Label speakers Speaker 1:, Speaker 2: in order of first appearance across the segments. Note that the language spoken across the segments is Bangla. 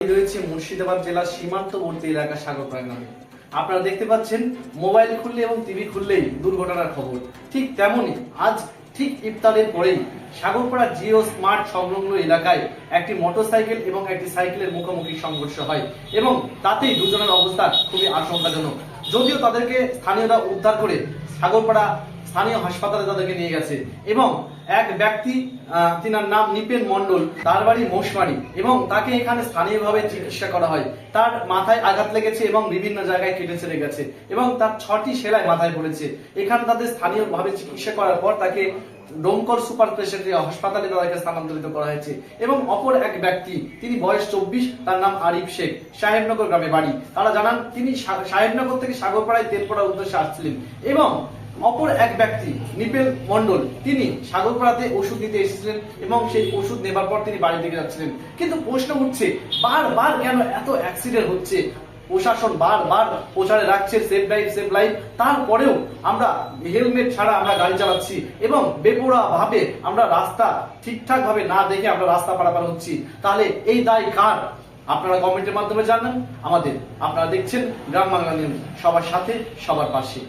Speaker 1: রয়েছে মুর্শিদাবাদ জেলার সীমান্তবর্তী এলাকা সাগরপাড়া গ্রামে। আপনারা দেখতে পাচ্ছেন মোবাইল খুললে এবং টিভি খুললেই দুর্ঘটনার খবর। ঠিক তেমনই আজ ঠিক ইফতারের পরেই সাগরপাড়া জিও স্মার্ট সংলগ্ন এলাকায় একটি মোটরসাইকেল এবং একটি সাইকেলের মুখোমুখি সংঘর্ষ হয় এবং তাতেই দুজনের অবস্থা খুবই আশঙ্কাজনক। যদিও তাদেরকে স্থানীয়রা উদ্ধার করে সাগরপাড়া স্থানীয় হাসপাতালে তাদেরকে নিয়ে গেছে এবং এক ব্যক্তি তিনার নাম নিপেন মণ্ডল, তার বাড়ি মোশমারি এবং তাকে এখানে স্থানীয়ভাবে চিকিৎসা করা হয়। তার মাথায় আঘাত লেগেছে এবং বিভিন্ন জায়গায় কেটে ছেড়ে গেছে এবং তার 6টি সেলাই মাথায় পড়েছে। এখানে তাদের স্থানীয়ভাবে চিকিৎসা করার পর তাকে ডোমকল সুপার স্পেশালিটি হাসপাতালে তাদেরকে স্থানান্তরিত করা হয়েছে এবং অপর এক ব্যক্তি, তিনি বয়স 24, তার নাম আরিফ শেখ, সাহেবনগর গ্রামে বাড়ি। তারা জানান তিনি সাহেবনগর থেকে সাগরপাড়ায় তেল পড়ার উদ্দেশ্যে আসছিলেন এবং অপর এক ব্যক্তি নিপেন মণ্ডল, তিনি সাগরপাড়াতে ওষুধ নিতে এসেছিলেন এবং সেই ওষুধ নেবার পর তিনি বাড়ি থেকে যাচ্ছিলেন। কিন্তু প্রশ্ন উঠছে বারবার কেন এত অ্যাক্সিডেন্ট হচ্ছে? প্রশাসন বারবার প্রচারে রাখছে সেফ ড্রাইভ সেফ লাইফ, তারপরেও আমরা হেলমেট ছাড়া আমরা গাড়ি চালাচ্ছি এবং বেপরোয়া ভাবে আমরা রাস্তা ঠিকঠাক ভাবে না দেখে আমরা রাস্তা পারাপার হচ্ছি। তাহলে এই দায় কার? আপনারা কমেন্টের মাধ্যমে জানান আমাদের। আপনারা দেখছেন গ্রাম বাংলা নিউজ, সবার সাথে সবার পাশে।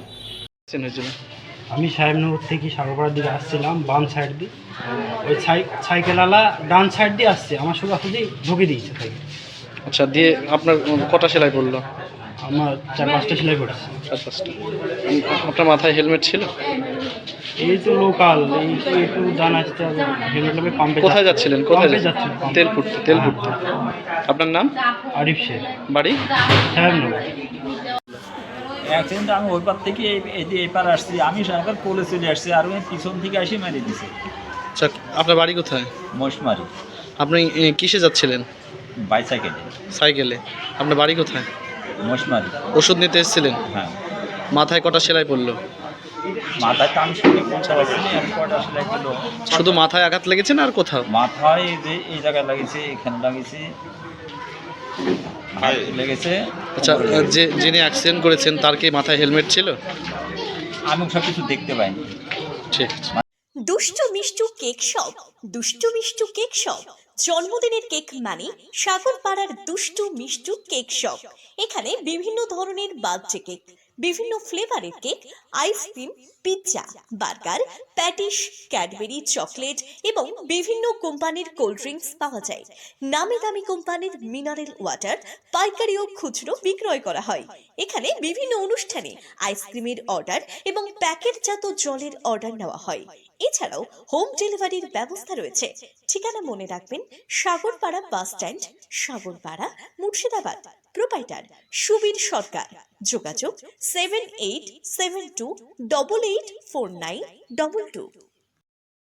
Speaker 2: আমি সাহেবনগর থেকে সাগরপাড়ার দিকে আসছিলাম বাম সাইড দিয়ে, ওই সাইকেলওয়ালা ডান সাইড দিয়ে আসছে, আমার শুধু আসলেই ঢুকে দিয়েছে তাই।
Speaker 3: আচ্ছা, দিয়ে আপনার কটা সেলাই পড়লো?
Speaker 2: আমার 4-5টা সেলাই পড়েছে।
Speaker 3: 4-5টা। আপনার মাথায় হেলমেট ছিল?
Speaker 2: এই তো লোকাল, এই তো একটু জানা আসছে, হেলমেট লাগবে পাম্পে।
Speaker 3: কোথায় যাচ্ছিলেন? কোথায়
Speaker 2: যাচ্ছিলেন?
Speaker 3: তেল ফুটতে। আপনার নাম?
Speaker 2: আরিফ শেখ,
Speaker 3: বাড়ি
Speaker 2: সাহেবনগর।
Speaker 4: অ্যাক্সিডেন্ট আমি ওই পার থেকে এই পার আসছি, আমি সাহেবের কোলে চলে আসছি আর ওই পিছন থেকে এসে মেরে দিছে।
Speaker 3: আচ্ছা, আপনার বাড়ি কোথায়?
Speaker 4: মোশমারি।
Speaker 3: আপনি কিসে যাচ্ছিলেন?
Speaker 4: বাইসাইকেলে।
Speaker 3: সাইকেলে। আপনার বাড়ি কোথায়?
Speaker 4: মোশমারি।
Speaker 3: ওষুধ নিতে এসেছিলেন?
Speaker 4: হ্যাঁ।
Speaker 3: মাথায় কটা সেলাই পড়লো?
Speaker 4: মাথায় তো আমি শুনে পৌঁছাচ্ছি, আমি কটা সেলাই করলো।
Speaker 3: শুধু মাথায় আঘাত লেগেছে না আর কোথাও?
Speaker 4: মাথায় যে এই জায়গায় লাগিয়েছে, এখানে লাগিয়েছে, লেগেছে।
Speaker 3: আচ্ছা, যিনি অ্যাক্সিডেন্ট করেছেন তার কি মাথায় হেলমেট ছিল?
Speaker 4: আমি সব কিছু দেখতে পাইনি।
Speaker 3: ঠিক আছে।
Speaker 5: দুষ্টু Mishtu cake shop, Dushtu Mishtu cake shop. জন্মদিনের কেক মানে সাগরপাড়ার দুষ্টু মিষ্টু কেক শপ। এখানে বিভিন্ন ধরনের বার্থডে কেক, বিভিন্ন ফ্লেভারের cake, ice cream, pizza, burger, patties, Cadbury, chocolate এবং বিভিন্ন কোম্পানির কোল্ড ড্রিঙ্কস পাওয়া যায়। নামি দামি কোম্পানির মিনারেল ওয়াটার পাইকারি ও খুচরো বিক্রয় করা হয়। এখানে বিভিন্ন অনুষ্ঠানে আইসক্রিমের অর্ডার এবং প্যাকেটজাত জলের অর্ডার নেওয়া হয়। এছাড়াও হোম ডেলিভারির ব্যবস্থা রয়েছে। ঠিকানা মনে রাখবেন, Sagarpara bus stand, Sagarpara, Murshidabad. Proprietor Subir Sarkar. যোগাযোগ 7872884922।